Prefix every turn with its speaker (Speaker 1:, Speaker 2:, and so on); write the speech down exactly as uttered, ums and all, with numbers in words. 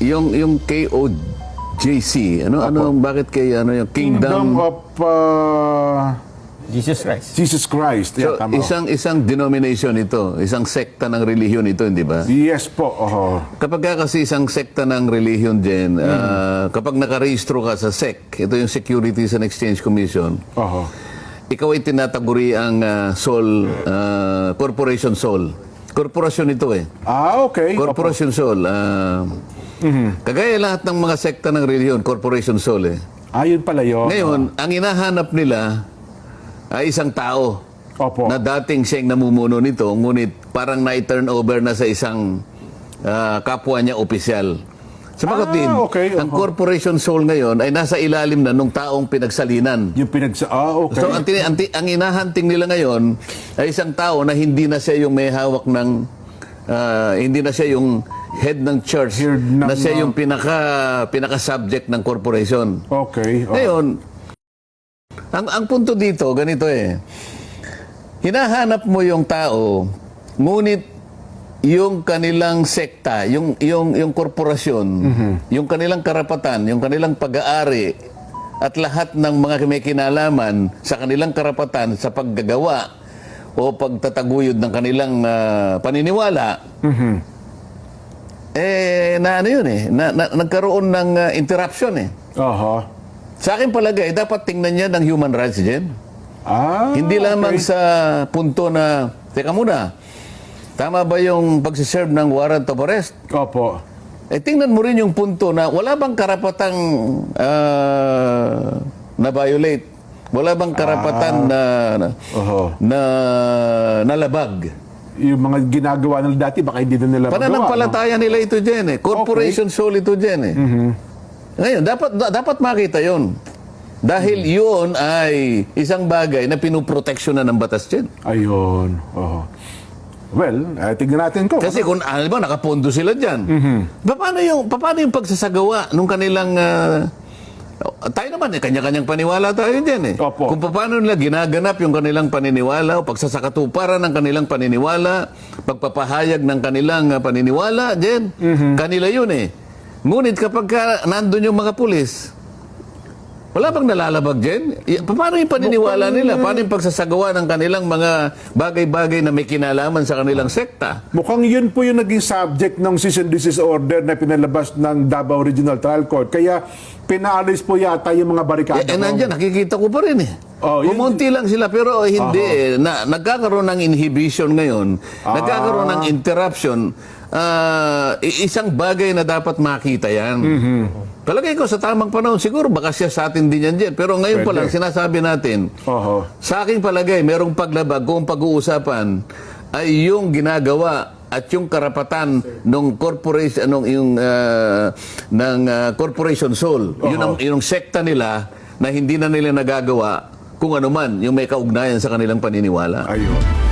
Speaker 1: yung yung K O J C, ano ano bakit kay ano yung
Speaker 2: Kingdom
Speaker 1: Kingdom,
Speaker 2: of uh,
Speaker 3: Jesus Christ.
Speaker 2: Jesus Christ.
Speaker 1: So,
Speaker 2: Yeah, tama.
Speaker 1: isang isang denomination ito, isang sekta ng relihiyon ito, hindi ba?
Speaker 2: Yes po. Oh.
Speaker 1: Kapag ka kasi isang sekta ng relihiyon din, ah, kapag nakarehistro ka sa S E C, ito yung Securities and Exchange Commission,
Speaker 2: Oh.
Speaker 1: ikaw ay tinataguri ang ah, Sol, ah, Corporation Sol. Korporasyon ito eh.
Speaker 2: Ah, okay.
Speaker 1: Corporation Sol. ah, Kagaya lahat ng mga sekta ng relihiyon, Corporation Sol eh.
Speaker 2: Ah, yun pala yun.
Speaker 1: Ngayon, ang hinahanap nila ay isang tao
Speaker 2: Opo.
Speaker 1: na dating siyang namumuno nito, ngunit parang na-turn over na sa isang ah, kapwa niya opisyal. Sabagot
Speaker 2: Ah,
Speaker 1: din,
Speaker 2: okay,
Speaker 1: ang
Speaker 2: oho.
Speaker 1: Corporation Soul ngayon ay nasa ilalim na nung taong pinagsalinan.
Speaker 2: Yung pinagsa... Ah, okay.
Speaker 1: So, ang, tini- ang, ti- ang inahanting nila ngayon ay isang tao na hindi na siya yung may hawak ng, ah, hindi na siya yung head ng church,
Speaker 2: Head ng,
Speaker 1: na siya
Speaker 2: ah,
Speaker 1: yung pinaka, pinaka-subject ng corporation.
Speaker 2: Okay. Oh.
Speaker 1: Ngayon, ang, ang punto dito, ganito eh. Hinahanap mo yung tao, ngunit yung kanilang sekta, yung, yung, yung korporasyon, yung kanilang karapatan, yung kanilang pag-aari, at lahat ng mga may kinalaman sa kanilang karapatan sa paggagawa o pagtataguyod ng kanilang ah, paniniwala, eh, na ano yun eh, na, na, nagkaroon ng ah, interruption eh.
Speaker 2: Aha.
Speaker 1: Sa akin palagay, dapat tingnan niya ng human rights din.
Speaker 2: Ah,
Speaker 1: Hindi lamang
Speaker 2: okay.
Speaker 1: sa punto na, teka muna, tama ba yung pagsiserve ng warrant of arrest?
Speaker 2: Opo.
Speaker 1: Eh, tingnan mo rin yung punto na wala bang karapatang ah, na-violate? Wala bang karapatan na, na,
Speaker 2: Oho.
Speaker 1: na nalabag?
Speaker 2: Yung mga ginagawa nila dati, baka hindi na nila magawa.
Speaker 1: Pananampalataya nila ito dyan eh. Corporation soul ito dyan eh. Ngayon, dapat da- dapat makita yon. Dahil yun ay isang bagay na pinuproteksyon na ng batas dyan.
Speaker 2: No? Ayun. Oho. Well, eh, tignan natin ko.
Speaker 1: Kasi kung alam mo, nakapondo sila dyan. Paano yung, paano yung pagsasagawa nung kanilang... ah, tayo naman, eh, kanya-kanyang paniwala tayo dyan eh.
Speaker 2: Opo.
Speaker 1: Kung paano nila ginaganap yung kanilang paniniwala o pagsasakatuparan ng kanilang paniniwala, pagpapahayag ng kanilang ah, paniniwala dyan, kanila yun eh. Ngunit kapag ka nandun yung mga pulis, wala bang nalalabag dyan? I- Paano yung paniniwala
Speaker 2: Mukhang-
Speaker 1: nila? Paano yung pagsasagawa ng kanilang mga bagay-bagay na may kinalaman sa kanilang sekta?
Speaker 2: Mukhang yun po yung naging subject ng cease and desist order na pinalabas ng Davao Regional Trial Court. Kaya pinaalis po yata yung mga barikada.
Speaker 1: Eh, eh nandiyan, nakikita ko pa rin eh.
Speaker 2: Oh, yun-
Speaker 1: Kumunti lang sila, pero hindi eh. Na, nagkakaroon ng inhibition ngayon, nagkakaroon ng interruption. Ah, i- isang bagay na dapat makita yan. Palagay ko sa tamang panahon, siguro baka siya sa atin din yan dyan. Pero ngayon pa
Speaker 2: Pwede.
Speaker 1: lang, sinasabi natin,
Speaker 2: Oho.
Speaker 1: sa aking palagay, merong paglabag kung pag-uusapan ay yung ginagawa at yung karapatan ng corporation nung yung ah, ng ah, corporation soul. Yun ang yung sekta nila na hindi na nila nagagawa kung ano man yung may kaugnayan sa kanilang paniniwala.
Speaker 2: Ayun.